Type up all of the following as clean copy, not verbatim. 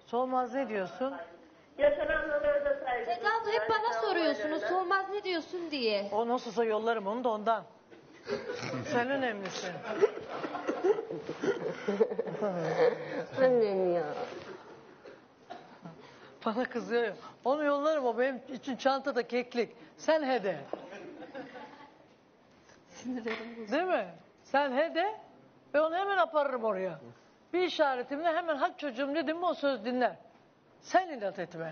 Solmaz ne diyorsun? Yaşananlara da saygı Seda abla hep bana soruyorsunuz. Solmaz ne diyorsun diye. O nasılsa yollarım onu da ondan. Sen önemlisin. Annem ya. Bana kızıyor ya. Onu yollarım, o benim için çantada keklik. Sen hede. Sinirlerim bozuldu. Değil mi? Sen hede ve onu hemen aparırım oraya. Bir işaretimle hemen hadi çocuğum dedim mi o söz dinler. Sen inat etme.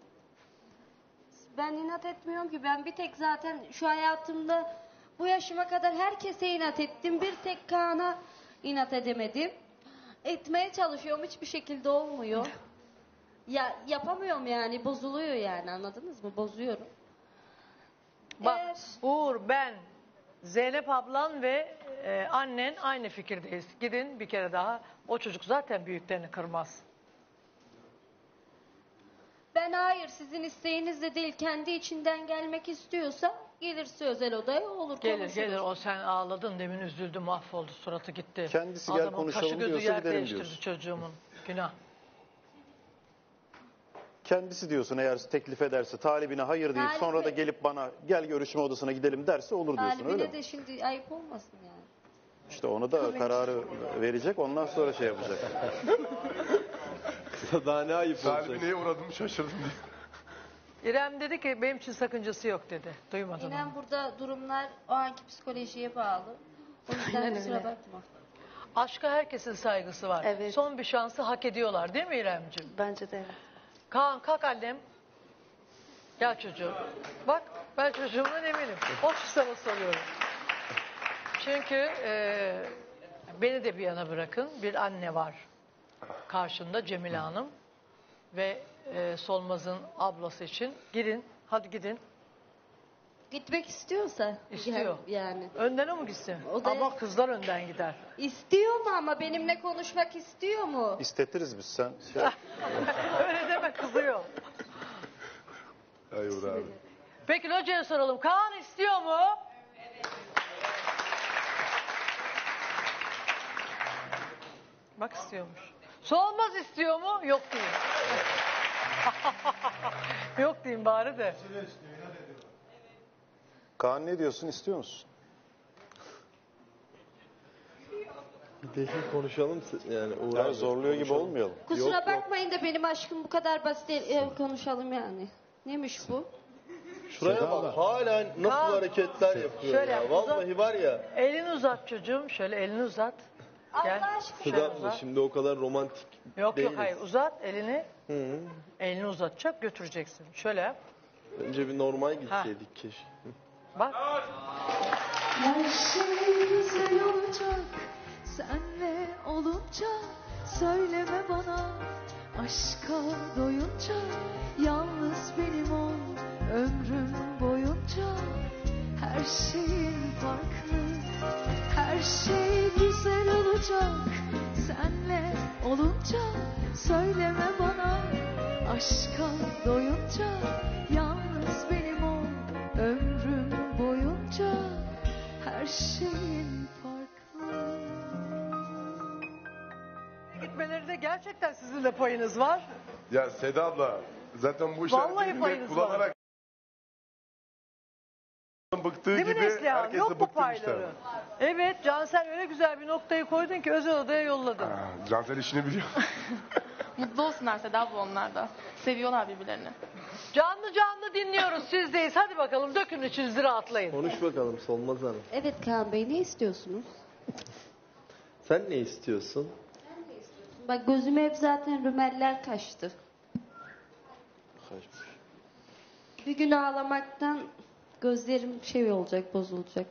Ben inat etmiyorum ki. Ben bir tek zaten şu hayatımda bu yaşıma kadar herkese inat ettim. Bir tek Kaan'a inat edemedim. Etmeye çalışıyorum. Hiçbir şekilde olmuyor. Ya yapamıyorum yani. Bozuluyor yani. Anladınız mı? Bozuyorum. Bak Eğer- Uğur, ben, Zeynep ablan ve annen aynı fikirdeyiz. Gidin bir kere daha. O çocuk zaten büyüklerini kırmaz. Ben hayır sizin isteğinizle değil kendi içinden gelmek istiyorsa gelirse özel odaya olur Gelir konuşuruz. gelir, o sen ağladın demin, üzüldü, mahvoldu, suratı gitti. Kendisi gel Adamın konuşalım kaşı gözü diyorsa yer gidelim değiştirdi diyorsun. çocuğumun. Günah. Kendisi diyorsun, eğer teklif ederse, talibine hayır deyip Talibi- sonra da gelip bana gel görüşme odasına gidelim derse olur diyorsun, öyle Talibine mi? de şimdi ayıp olmasın yani. İşte onu da kararı verecek, ondan sonra şey yapacak. Daha ne ayıp olacak. Talibi neye uğradım şaşırdım diye. İrem dedi ki benim için sakıncası yok dedi. Duymadın mı? İnan burada durumlar o anki psikolojiye bağlı. O yüzden Aynen kusura öyle. bakma. Aşka herkesin saygısı var. Evet. Son bir şansı hak ediyorlar değil mi İremciğim? Bence de evet. Kaan kalk annem. Gel çocuğum. Bak ben çocuğumdan eminim. O için sana soruyorum. Çünkü beni de bir yana bırakın. Bir anne var karşında, Cemile Hanım. Ve Solmaz'ın ablası için. Gidin. Hadi gidin. Gitmek istiyorsa. İstiyor. Yani. Önden o mu gitsin? O da- Ama kızlar önden gider. İstiyor mu ama benimle konuşmak istiyor mu? İstetiriz biz, sen. Öyle deme, kızıyor. Ay Uğur abi. Peki hocaya soralım. Kaan istiyor mu? Bak istiyormuş. Solmaz istiyor mu? Yok diyeyim. Yok diyeyim bari de. Kaan ne diyorsun, istiyor musun? Gidelim konuşalım yani Uğur Yani abi, zorluyor gibi konuşalım. olmayalım. Kusura Yok, bakmayın da benim aşkım bu kadar basit değil. Konuşalım yani. Neymiş bu? Şuraya bak hala nasıl Kaan. hareketler yapıyor Şöyle ya. yap, Vallahi uzat. var ya. Elini uzat çocuğum. Şöyle elini uzat. Gel. Allah aşkına. Şöyle Seda abla uzat. şimdi o kadar romantik Yok değiliz. yok hayır, uzat elini. Hı. Elini uzatacak, götüreceksin. Şöyle yap. Önce bir normal gitseydik keşke. Bak. Her şey güzel olacak senle olunca, söyleme bana aşka doyunca, yalnız benim ol ömrüm boyunca. Her şeyin farklı, her şey güzel olacak senle olunca, söyleme bana aşka doyunca, yalnız benim ol ömrüm boyunca. Her şeyin farklı. Gitmelerinde gerçekten sizin de payınız var. Ya Seda abla zaten bu Vallahi işaretleri payınız net kullanarak bıktığı Değil mi gibi Neslihan? herkes Yok de bu bıktım işte. payları. Evet, Cansel öyle güzel bir noktayı koydun ki özel odaya yolladın. Cansel işini biliyor. Mutlu olsunlar Seda abla, onlar da. Seviyorlar birbirlerini. Canlı canlı dinliyoruz, sizdeyiz. Hadi bakalım dökün içinizi, rahatlayın. Konuş bakalım Solmaz Hanım. Evet Kaan Bey, ne istiyorsunuz? Sen ne istiyorsun? Bak gözüme hep zaten rümeller kaçtı. Kaçmış. Bir gün ağlamaktan gözlerim şey olacak, bozulacak.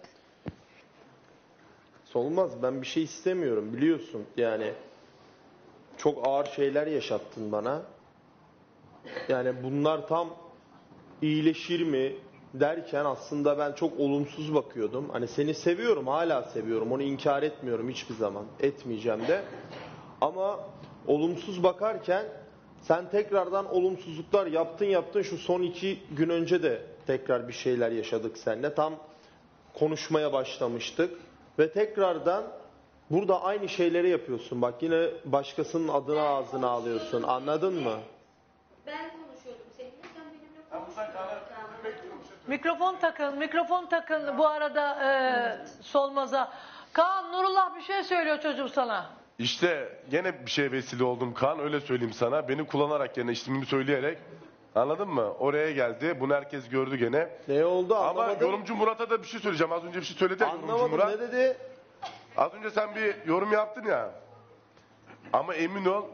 Solmaz, ben bir şey istemiyorum biliyorsun. Yani çok ağır şeyler yaşattın bana. Yani bunlar tam iyileşir mi derken aslında ben çok olumsuz bakıyordum. Hani seni seviyorum, hala seviyorum. Onu inkar etmiyorum hiçbir zaman. Etmeyeceğim de. Ama olumsuz bakarken sen tekrardan olumsuzluklar yaptın. Şu son 2 gün önce de tekrar bir şeyler yaşadık seninle. Tam konuşmaya başlamıştık. Ve tekrardan burada aynı şeyleri yapıyorsun. Bak yine başkasının adını ağzına alıyorsun. Anladın mı? Ben konuşuyordum seninle, sen benimle konuştun. Mikrofon takın bu arada Solmaz'a. Kaan, Nurullah bir şey söylüyor çocuğum sana. İşte gene bir şeye vesile oldum Kaan, öyle söyleyeyim sana. Beni kullanarak, gene ismimi söyleyerek, anladın mı? Oraya geldi. Bunu herkes gördü gene. Ne oldu Ama anlamadım. yorumcu Murat'a da bir şey söyleyeceğim. Az önce bir şey söyledi ya yorumcu Anlamadım, Murat. ne dedi? Az önce sen bir yorum yaptın ya. Ama emin ol.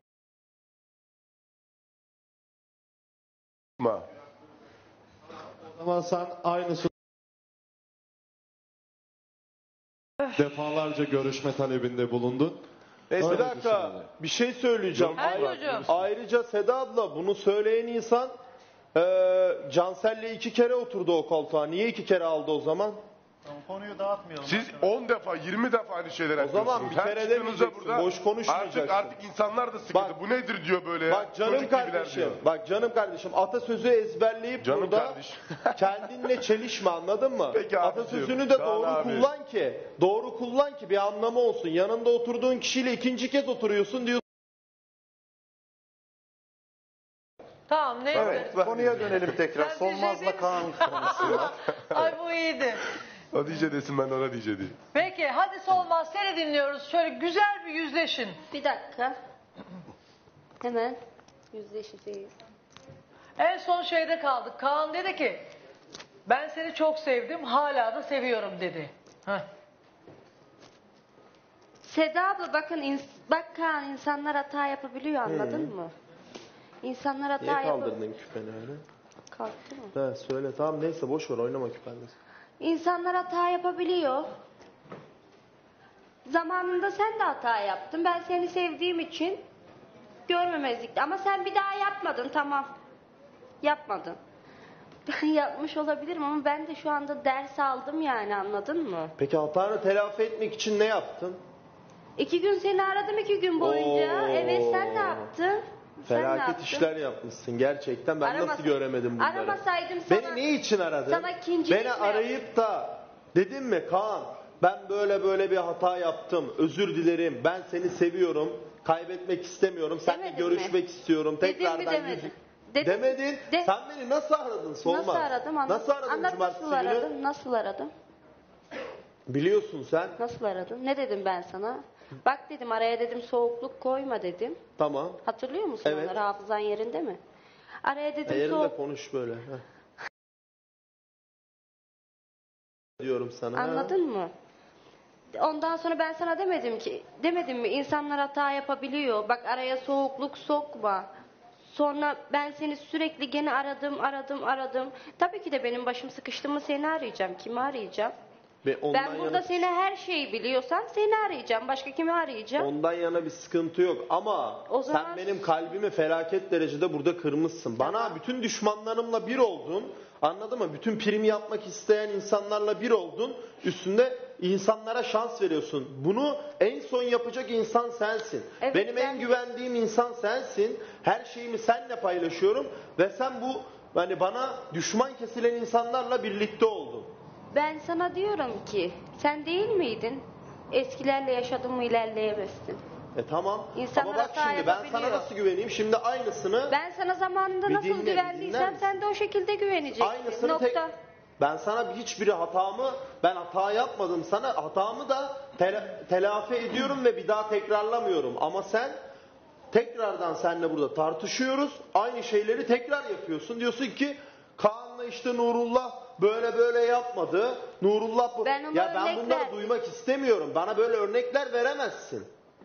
O zaman sen aynısı defalarca görüşme talebinde bulundun. Neyse, Bir dakika, bir şey söyleyeceğim. Ha, çocuğum. Ayrıca Seda abla, bunu söyleyen insan Cansel'le 2 kere oturdu o koltuğa. Niye 2 kere aldı o zaman? Konuyu dağıtmayalım. siz 10 defa 20 defa aynı şeyler yapıyorsunuz. zaman bir Her kere çıktığınızda demeyeceksin, boş konuşmayacaksın. Artık insanlar da sıkıldı. Bak- Bu nedir diyor böyle ya. Bak canım Çocuk gibiler kardeşim, diyor. bak canım kardeşim, atasözü ezberleyip Canım burada kardeşim. kendinle çelişme, anladın mı? Peki abicim, Atasözünü de Kaan doğru abi. kullan ki bir anlamı olsun. Yanında oturduğun kişiyle ikinci kez oturuyorsun diyorsun. Tamam, neyse. Evet, konuya dönelim tekrar. Sen Solmaz'la diyecek Kaan konusuna. Ay bu iyiydi. O diyece desin, ben de ona diyece diyeyim. Peki hadi Solmaz, seni dinliyoruz. Şöyle güzel bir yüzleşin. Bir dakika. Hemen yüzleşeceğiz. En son şeyde kaldık. Kaan dedi ki ben seni çok sevdim, hala da seviyorum dedi. Heh. Seda abla bakın, bak Kaan, insanlar hata yapabiliyor, anladın mı? İnsanlar hata Niye yapabiliyor. kaldırdın küpeni öyle? Kalktı mı? He söyle, tamam neyse boş ver, oynama küpenle. İnsanlar hata yapabiliyor. Zamanında sen de hata yaptın. Ben seni sevdiğim için görmemezlikti. Ama sen bir daha yapmadın, tamam. Yapmadın. Ben yapmış olabilirim ama ben de şu anda ders aldım yani, anladın mı? Peki hatanı telafi etmek için ne yaptın? 2 gün seni aradım, 2 gün boyunca. Oo. Evet, sen ne yaptın? Sen ne Felaket yaptın? işler yapmışsın gerçekten. Ben nasıl göremedim bunları? Aramasaydım sana... Beni ne için aradın? Sana ikincilik Beni mi arayıp da dedin mi Kaan, ben böyle bir hata yaptım, özür dilerim, ben seni seviyorum, kaybetmek istemiyorum, seninle Demedin görüşmek mi? istiyorum, Dedin mi, tekrardan demedin? Dedin. Demedin. De- Sen beni nasıl aradın Solmaz? Nasıl aradım? Nasıl aradın Anlat, cumartesi nasıl günü? aradım? Nasıl aradım? Biliyorsun sen. Nasıl aradım? Ne dedim ben sana? Bak dedim, araya dedim soğukluk koyma dedim. Tamam. Hatırlıyor musun Evet. onları? Hafızan yerinde mi? Araya dedim Yerinde soğuk... konuş böyle. Heh. Diyorum sana. ha. Anladın mı? Ondan sonra ben sana demedim mi? İnsanlar hata yapabiliyor. Bak, araya soğukluk sokma. Sonra ben seni sürekli gene aradım. Tabii ki de benim başım sıkıştı mı seni arayacağım. Kimi arayacağım? Ve ondan Ben burada yana- seni her şeyi biliyorsam seni arayacağım. Başka kimi arayacağım? Ondan yana bir sıkıntı yok ama O zaman- sen benim kalbimi felaket derecede burada kırmışsın. Bana Tamam. bütün düşmanlarımla bir oldun. Anladın mı? Bütün prim yapmak isteyen insanlarla bir oldun. Üstünde insanlara şans veriyorsun. Bunu en son yapacak insan sensin. Evet, benim en ben- güvendiğim insan sensin. Her şeyimi seninle paylaşıyorum ve sen bu hani bana düşman kesilen insanlarla birlikte oldun. Ben sana diyorum ki, sen değil miydin? Eskilerle yaşadın mı ilerleyemezsin. Tamam. İnsanlar Ama bak hata şimdi ben sana yapabiliyor. nasıl güveneyim? Şimdi aynısını Ben sana zamanında Bir nasıl dinle, bir dinler güvendiysem misin? sen de o şekilde güveneceksin. aynısını Nokta. ben sana hiçbir hatamı, ben hata yapmadım sana, hatamı da telafi ediyorum ve bir daha tekrarlamıyorum. Ama sen tekrardan seninle burada tartışıyoruz. Aynı şeyleri tekrar yapıyorsun. Diyorsun ki Kaan'la işte Nurullah böyle yapmadı. Nurullah bu. Ben ona Ya ben örnek bunları verdim. duymak istemiyorum. Bana böyle örnekler veremezsin.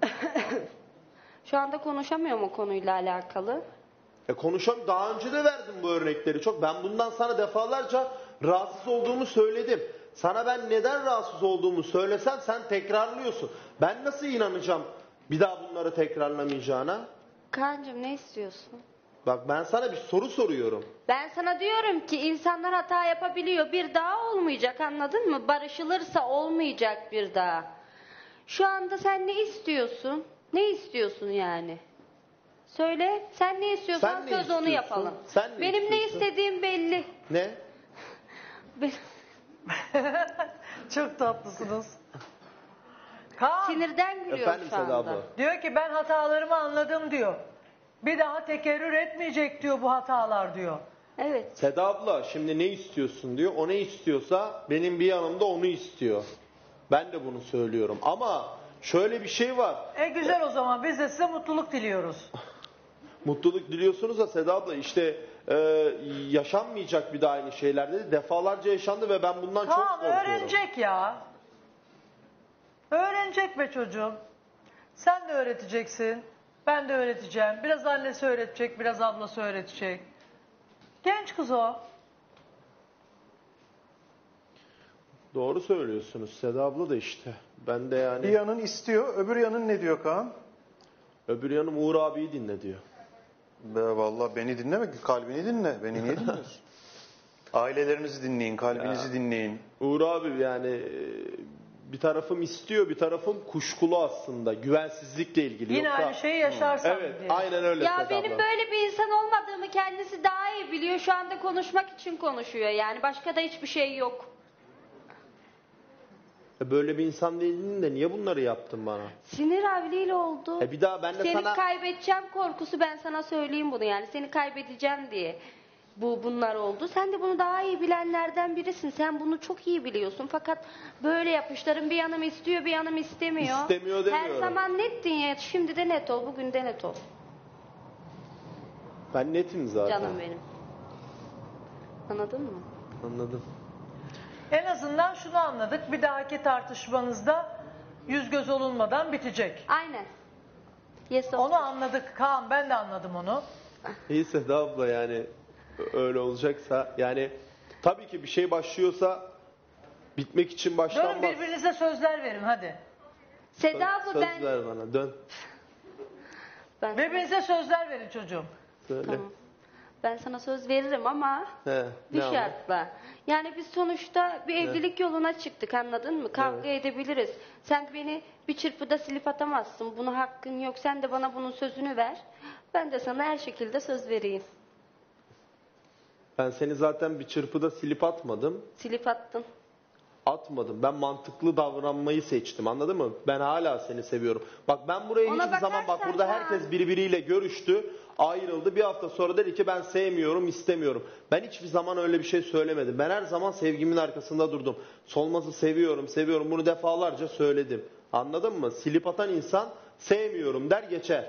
Şu anda konuşamıyorum o konuyla alakalı. Daha önce de verdim bu örnekleri çok. Ben bundan sana defalarca rahatsız olduğumu söyledim. Sana ben neden rahatsız olduğumu söylesem sen tekrarlıyorsun. Ben nasıl inanacağım bir daha bunları tekrarlamayacağına? Kaan'cığım, ne istiyorsun? Bak ben sana bir soru soruyorum. Ben sana diyorum ki insanlar hata yapabiliyor. Bir daha olmayacak, anladın mı? Barışılırsa olmayacak bir daha. Şu anda sen ne istiyorsun? Ne istiyorsun yani? Söyle, sen ne istiyorsan Sen ne söz onu istiyorsun? yapalım. Sen ne Benim ne istiyorsun? istediğim belli. Ne? Ben- Çok tatlısınız. Kaan Sinirden gülüyorum Efendim şu Seda anda. abla. diyor ki ben hatalarımı anladım diyor. Bir daha tekerrür etmeyecek diyor bu hatalar diyor. Evet. Seda abla şimdi ne istiyorsun diyor. O ne istiyorsa benim bir yanımda onu istiyor. Ben de bunu söylüyorum. Ama şöyle bir şey var. Güzel o zaman biz de size mutluluk diliyoruz. Mutluluk diliyorsunuz da Seda abla işte yaşanmayacak bir daha aynı şeyler dedi. Defalarca yaşandı ve ben bundan çok Kaan korkuyorum. öğrenecek ya. Öğrenecek be çocuğum. Sen de öğreteceksin. Ben de öğreteceğim. Biraz annesi öğretecek, biraz ablası öğretecek. Genç kız o. Doğru söylüyorsunuz Seda abla da işte. Ben de yani Bir yanın istiyor, öbür yanın ne diyor Kaan? öbür yanım Uğur abiyi dinle diyor. Vallahi beni dinleme, kalbini dinle. Beni niye dinliyorsun? Ailelerinizi dinleyin, kalbinizi dinleyin. Uğur abi yani bir tarafım istiyor, bir tarafım kuşkulu aslında. Güvensizlikle ilgili. Yine Yoksa, aynı şeyi yaşarsan evet, diye. aynen öyle Ya Seda benim abla. böyle bir insan olmadığımı kendisi daha iyi biliyor. Şu anda konuşmak için konuşuyor. Yani başka da hiçbir şey yok. Böyle bir insan değildin de niye bunları yaptın bana? Sinir avliyle oldu. Bir daha ben de Seni sana... kaybedeceğim korkusu, ben sana söyleyeyim bunu yani. Seni kaybedeceğim diye bunlar oldu. Sen de bunu daha iyi bilenlerden birisin. Sen bunu çok iyi biliyorsun. Fakat böyle yapışların bir yanım istiyor, bir yanım istemiyor. İstemiyor demiyorum. Her zaman nettin ya. Şimdi de net ol, bugün de net ol. Ben netim zaten. Canım benim. Anladın mı? Anladım. En azından şunu anladık. Bir dahaki tartışmanızda yüz göz olunmadan bitecek. Aynen. Yes, Onu anladık Kaan, ben de anladım onu. İyi Seda abla yani öyle olacaksa yani tabii ki bir şey başlıyorsa bitmek için Dönün başlanmaz. birbirinize sözler verin hadi. Seda abla Söz ben... ver bana dön. Birbirinize sözler verin çocuğum. Söyle. Tamam. Ben sana söz veririm ama He, bir ne ama? şartla. Yani biz sonuçta bir evlilik yoluna çıktık, anladın mı? Kavga edebiliriz. Sen beni bir çırpıda silip atamazsın. Buna hakkın yok. Sen de bana bunun sözünü ver. Ben de sana her şekilde söz vereyim. Ben seni zaten bir çırpıda silip atmadım. Silip attın. Atmadım. Ben mantıklı davranmayı seçtim. Anladın mı? Ben hala seni seviyorum. Bak ben buraya Ona hiçbir zaman bak bakarsan burada Kaan. herkes birbiriyle görüştü. Ayrıldı. Bir hafta sonra dedi ki ben sevmiyorum, istemiyorum. Ben hiçbir zaman öyle bir şey söylemedim. Ben her zaman sevgimin arkasında durdum. Solmaz'ı seviyorum, seviyorum. Bunu defalarca söyledim. Anladın mı? Silip atan insan sevmiyorum der geçer.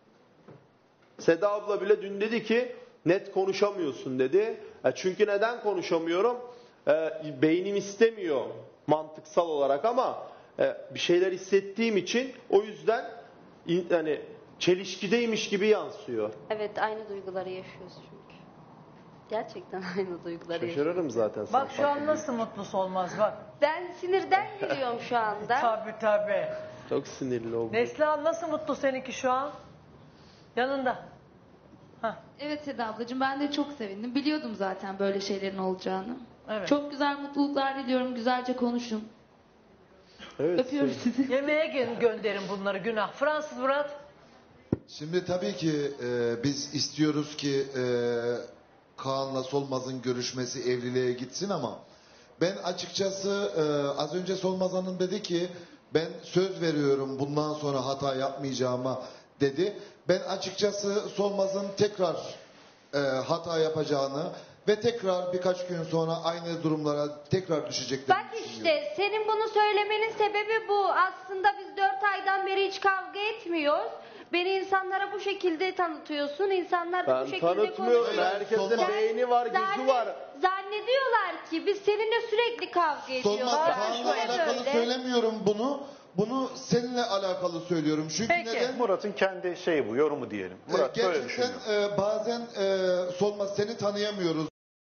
Seda abla bile dün dedi ki net konuşamıyorsun dedi. Çünkü neden konuşamıyorum? Beynim istemiyor mantıksal olarak ama bir şeyler hissettiğim için o yüzden yani çelişkideymiş gibi yansıyor. Evet, aynı duyguları yaşıyoruz çünkü. Gerçekten aynı duyguları yaşıyoruz. Şaşırırım zaten. Bak şu an nasıl mutlusu olmaz bak. Ben sinirden gülüyorum şu anda. Tabii. Çok sinirli oldum. Neslihan nasıl mutlu seninki şu an? Yanında. Evet Seda ablacığım, ben de çok sevindim. Biliyordum zaten böyle şeylerin olacağını. Evet. Çok güzel mutluluklar diliyorum. Güzelce konuşun. Evet, Öpüyorum sizi. Yemeğe gönderin bunları, günah. Fransız Murat. Şimdi tabii ki biz istiyoruz ki Kaan'la Solmaz'ın görüşmesi evliliğe gitsin ama ben açıkçası az önce Solmaz Hanım dedi ki ben söz veriyorum bundan sonra hata yapmayacağıma dedi. Ben açıkçası Solmaz'ın tekrar hata yapacağını ve tekrar birkaç gün sonra aynı durumlara tekrar düşeceklerini Bak düşünüyorum. işte senin bunu söylemenin sebebi bu. Aslında biz 4 aydan beri hiç kavga etmiyoruz. Beni insanlara bu şekilde tanıtıyorsun. İnsanlar da bu Ben şekilde tanıtmıyorum. konuşuyor. Herkesin Solmaz. beyni var, gözü var. Zannediyorlar ki biz seninle sürekli kavga ediyoruz. Solmaz Yani Kaan'la şöyle alakalı böyle. söylemiyorum bunu. Bunu seninle alakalı söylüyorum. Çünkü Peki. neden? Murat'ın kendi şeyi bu, yorumu diyelim. Murat böyle Gerçekten düşünüyor. bazen Solmaz seni tanıyamıyoruz.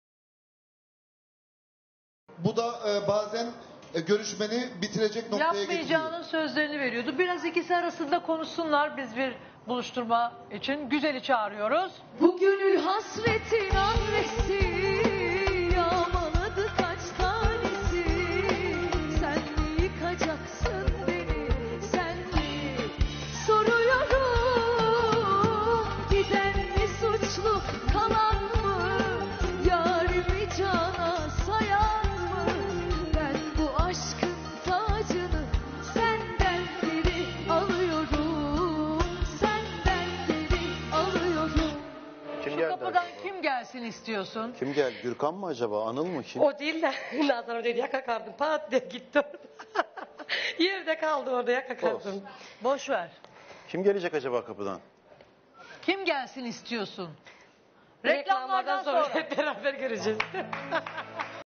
Bu da bazen görüşmeni bitirecek noktaya getiriyor. Yapmayacağının sözlerini veriyordu. Biraz ikisi arasında konuşsunlar. Biz bir buluşturma için Güzel'i çağırıyoruz. Bu gönül hasretin annesi yağmaladı kaç tanesi. Sen mi yıkacaksın beni, sen mi? Soruyorum, giden mi suçlu, kalan mı? Yarimi cana sayan mı? Ben bu aşkın tacını senden nereden? kapıdan kim gelsin istiyorsun? Kim geldi? Gürkan mı acaba? Anıl mı? Kim? O değil de Nazan dedi yaka kaldım. Pat diye gitti orada. Yerde kaldı orada yaka kaldım. Boş ver. Kim gelecek acaba kapıdan? Kim gelsin istiyorsun? Reklamlardan Reklamlardan sonra. hep beraber göreceğiz.